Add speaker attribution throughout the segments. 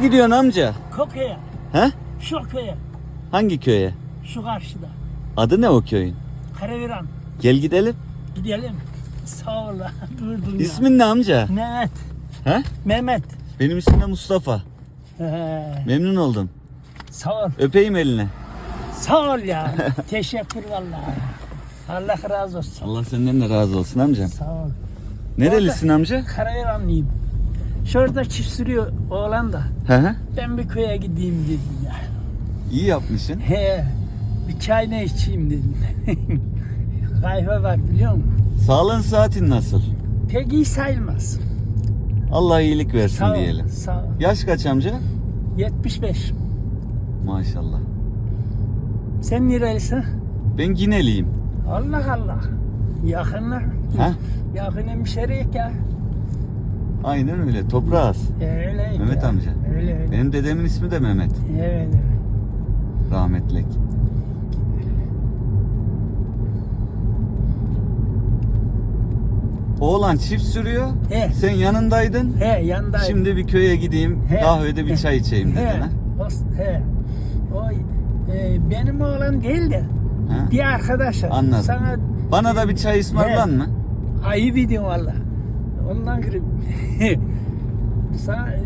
Speaker 1: gidiyorsun amca?
Speaker 2: Köye.
Speaker 1: He?
Speaker 2: Şu köye.
Speaker 1: Hangi köye?
Speaker 2: Şu karşıda.
Speaker 1: Adı ne o köyün?
Speaker 2: Karaviran.
Speaker 1: Gel gidelim.
Speaker 2: Gidelim. Sağ ol. Durdun ya.
Speaker 1: İsmin ne amca?
Speaker 2: Mehmet.
Speaker 1: He?
Speaker 2: Mehmet.
Speaker 1: Benim ismim de Mustafa.
Speaker 2: He.
Speaker 1: Memnun oldum.
Speaker 2: Sağ ol.
Speaker 1: Öpeyim eline.
Speaker 2: Sağ ol ya. Teşekkür vallahi. Allah razı olsun.
Speaker 1: Allah senden de razı olsun amcam.
Speaker 2: Sağ ol.
Speaker 1: Nerelisin amca?
Speaker 2: Karaviranlıyım. Şurada çift sürüyor oğlan da.
Speaker 1: Hı hı.
Speaker 2: Ben bir köye gideyim dedim ya.
Speaker 1: İyi yapmışsın.
Speaker 2: He. Bir çay ne içeyim dedim. Kahve var biliyor musun?
Speaker 1: Sağlığın saatin nasıl?
Speaker 2: Pek iyi sayılmaz.
Speaker 1: Allah iyilik versin
Speaker 2: Sağ ol.
Speaker 1: diyelim.
Speaker 2: Sağ ol.
Speaker 1: Yaş kaç amca?
Speaker 2: 75.
Speaker 1: Maşallah.
Speaker 2: Sen nerelisin?
Speaker 1: Ben Gineliyim.
Speaker 2: Allah Allah. Yakınlar.
Speaker 1: Ha?
Speaker 2: Yakın hemşeriyik ya.
Speaker 1: Aynen öyle. Toprağız.
Speaker 2: Öyle.
Speaker 1: Mehmet
Speaker 2: ya.
Speaker 1: amca.
Speaker 2: Öyle.
Speaker 1: Benim dedemin ismi de Mehmet.
Speaker 2: Evet.
Speaker 1: Rahmetlik. Oğlan çift sürüyor.
Speaker 2: He.
Speaker 1: Sen yanındaydın.
Speaker 2: He yandayım.
Speaker 1: Şimdi bir köye gideyim.
Speaker 2: He.
Speaker 1: Kahvede bir
Speaker 2: He.
Speaker 1: çay içeyim dedin
Speaker 2: He.
Speaker 1: ha?
Speaker 2: He. O benim oğlan değil de
Speaker 1: Ha?
Speaker 2: bir arkadaşım.
Speaker 1: Anladım.
Speaker 2: Sana
Speaker 1: Bana da bir çay ısmarlan mı?
Speaker 2: ayıp ediyorum valla. Ondan girip sana,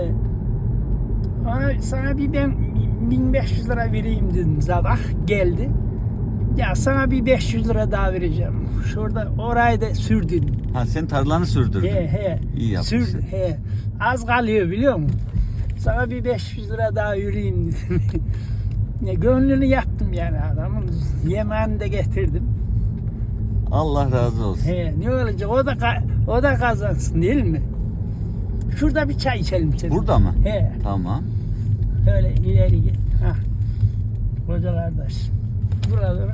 Speaker 2: sana bir ben 1500 lira vereyim dedim sabah geldi. Ya sana bir 500 lira daha vereceğim. Şurada orayı da sürdürdüm.
Speaker 1: Ha sen tarlanı sürdürdün.
Speaker 2: He.
Speaker 1: İyi yapmışsın.
Speaker 2: He. Az kalıyor biliyor musun? Sana bir 500 lira daha vereyim dedim. Ne gönlünü yaptım yani adamın. Yemeğini de getirdim.
Speaker 1: Allah razı olsun.
Speaker 2: He, ne olacak? O da kazansın değil mi? Şurada bir çay içelim senin.
Speaker 1: Burada mı?
Speaker 2: He.
Speaker 1: Tamam.
Speaker 2: Öyle ileri git. Hah. Koca kardeş. Burada.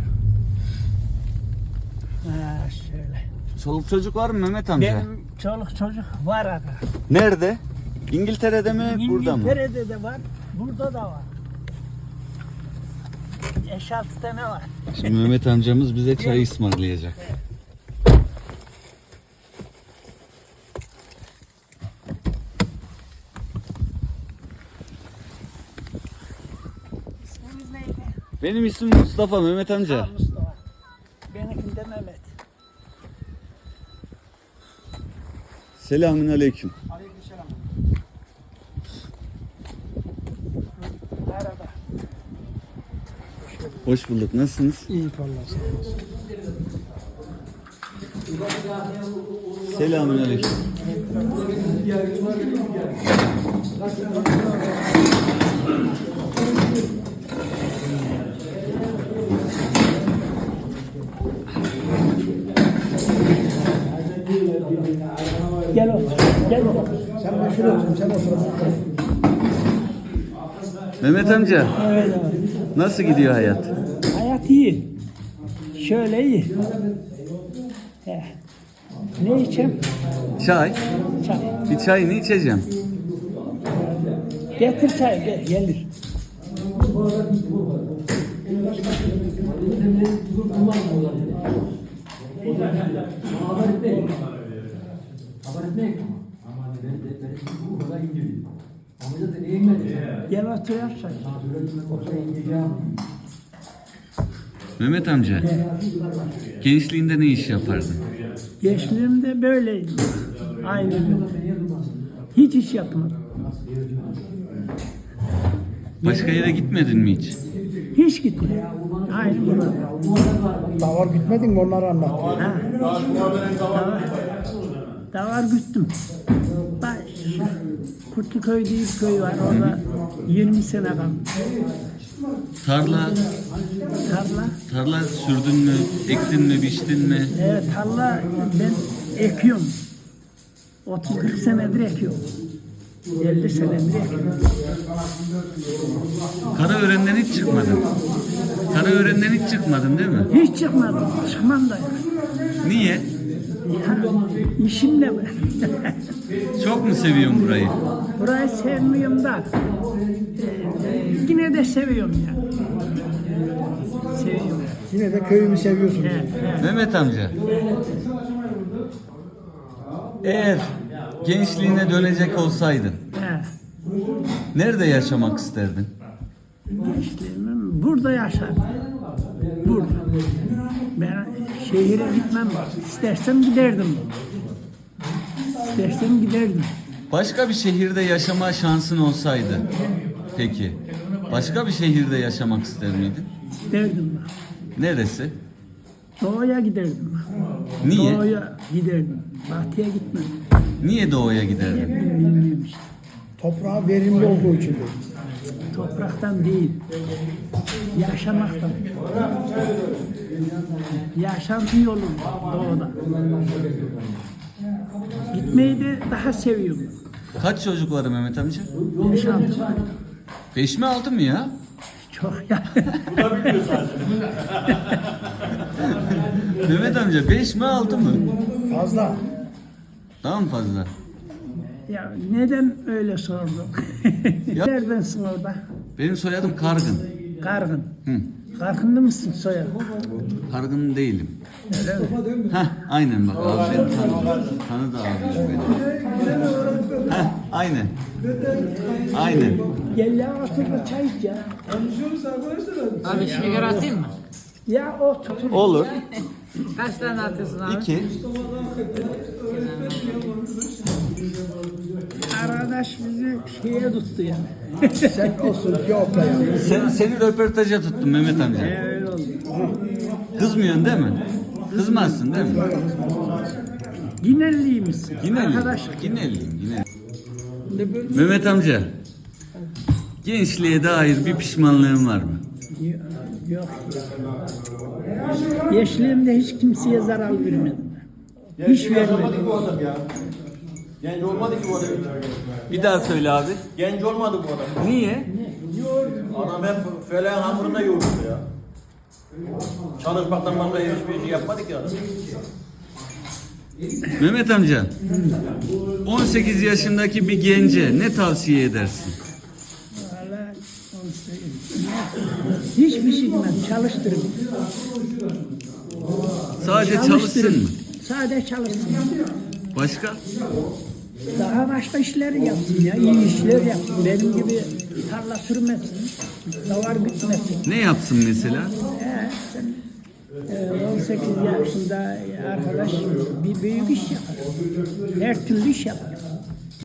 Speaker 2: Ha şöyle.
Speaker 1: Çoluk çocuk var mı Mehmet amca?
Speaker 2: Benim çoluk çocuk var aga.
Speaker 1: Nerede? İngiltere'de mi? Burada mı?
Speaker 2: İngiltere'de de var. Burada da var. 5-6 tane var.
Speaker 1: Şimdi Mehmet amcamız bize çay ısmarlayacak.
Speaker 2: İsminiz neydi?
Speaker 1: Benim ismim Mustafa Mehmet amca.
Speaker 2: Ha, Mustafa. Benimki de Mehmet.
Speaker 1: Selamünaleyküm.
Speaker 2: Aleykümselam. Merhaba.
Speaker 1: Hoş bulduk. Nasılsınız?
Speaker 2: İyi vallahi.
Speaker 1: Selamünaleyküm.
Speaker 2: Gel oğlum. Gel oğlum.
Speaker 3: Sen ben şuraya oturayım, sen otur.
Speaker 1: Mehmet amca
Speaker 2: Evet evet.
Speaker 1: nasıl gidiyor hayat?
Speaker 2: Hayat iyi. Şöyle iyi. He. Ne içeyim?
Speaker 1: Çay.
Speaker 2: Çay.
Speaker 1: Bir çayını içeceğim.
Speaker 2: Getir çay. Gelir. Gel otur yap çay.
Speaker 1: Mehmet amca gençliğinde ne iş yapardın?
Speaker 2: Gençliğimde böyleydi. Aynı gün. Hiç iş yapmadım.
Speaker 1: Başka yere gitmedin mi hiç?
Speaker 2: Hiç gitmedim. Aynı burada.
Speaker 3: Davar gitmedin mi onları anlat.
Speaker 2: Ha. Davar güttüm. Bak, Kurtluköy diye bir köy var. Orada 20 sene kaldım.
Speaker 1: Tarla
Speaker 2: Tarla.
Speaker 1: sürdün mü, ektin mi, biçtin mi?
Speaker 2: Tarla ben ekiyorum. 30-40 senedir ekiyorum. 50 senedir ekiyorum.
Speaker 1: Karaören'den hiç çıkmadın. Karaören'den hiç çıkmadın değil mi?
Speaker 2: Hiç çıkmadım. Çıkmam da.
Speaker 1: Niye?
Speaker 2: Ya, işimle mi?
Speaker 1: Çok mu seviyorsun burayı?
Speaker 2: Burayı sevmiyorum da. Yine de seviyorum ya. Seviyorum.
Speaker 3: Yine de köyümü seviyorsun.
Speaker 2: He, he.
Speaker 1: Mehmet amca. Eğer gençliğine dönecek olsaydın
Speaker 2: He.
Speaker 1: Nerede yaşamak isterdin?
Speaker 2: Gençliğimim burada yaşardım. Burada. Ben şehire gitmem. İstersem giderdim. İstersem giderdim.
Speaker 1: Başka bir şehirde yaşama şansın olsaydı, peki, başka bir şehirde yaşamak ister miydin?
Speaker 2: İsterdim ben.
Speaker 1: Neresi?
Speaker 2: Doğuya giderdim.
Speaker 1: Niye?
Speaker 2: Doğuya giderdim. Batıya gitmem.
Speaker 1: Niye doğuya giderdin?
Speaker 2: Bilmiyorum işte.
Speaker 3: Toprağı verimli olduğu için.
Speaker 2: Topraktan değil. Yaşamaktan. Yaşantı yolu doğuda. Gitmeyi de daha seviyorum.
Speaker 1: Kaç çocuk var Mehmet amca?
Speaker 2: Yaşantı var.
Speaker 1: 5 mi 6 mı ya?
Speaker 2: Çok ya.
Speaker 1: Mehmet amca 5 mi 6 mı?
Speaker 3: Fazla.
Speaker 1: Daha mı fazla?
Speaker 2: Ya neden öyle sordun?
Speaker 1: Ya-
Speaker 2: Neredensin orada?
Speaker 1: Benim soyadım Kargın.
Speaker 2: Kargın.
Speaker 1: Hı.
Speaker 2: Kargınlı mısın soyadı?
Speaker 1: Kargın değilim.
Speaker 2: Öyle mi?
Speaker 1: Heh, aynen bak abi beni tanıdı abi beni. Heh, aynen. Aynen.
Speaker 2: Gel ya otur çay iç ya.
Speaker 4: Abi şeker atayım mı?
Speaker 2: Ya otur.
Speaker 1: Olur.
Speaker 4: Kaç tane atıyorsun abi?
Speaker 1: 2.
Speaker 2: Arkadaş bizi şeye tuttu yani.
Speaker 3: Sen olsun ki opla ya.
Speaker 1: Seni röportaja tuttum Mehmet amca.
Speaker 2: Öyle oldu.
Speaker 1: Kızmıyorsun değil mi? Kızmazsın değil mi?
Speaker 2: Ginelliymişsin.
Speaker 1: Gineliyim.
Speaker 2: Arkadaş.
Speaker 1: Gineliyim. Mehmet amca. Gençliğe dair bir pişmanlığın var mı?
Speaker 2: Yok. Gençliğimde hiç kimseye zarar vermedim. Hiç vermedim.
Speaker 5: Bu adam ya. Genç olmadı ki bu adam.
Speaker 1: Bir daha söyle abi.
Speaker 5: Genç olmadı bu adam.
Speaker 1: Niye?
Speaker 5: Adam hep feleğin hamurunda yoğurdu ya. Çalışmaktan başka hiçbir şey yapmadı ki adam.
Speaker 1: Mehmet amca. 18 yaşındaki bir gence ne tavsiye edersin?
Speaker 2: Vallahi onu söyleyeyim. Hiçbir şey bilmem. Çalıştırın.
Speaker 1: Sadece çalışsın mı?
Speaker 2: Sadece çalışsın.
Speaker 1: Başka?
Speaker 2: Daha başka işler yapsın ya. İyi işler yapsın. Benim gibi tarla sürmesin. Davar bitmesin.
Speaker 1: Ne yapsın mesela?
Speaker 2: Sen, 18 yaşında arkadaş bir büyük iş yapar. Her türlü iş yapar.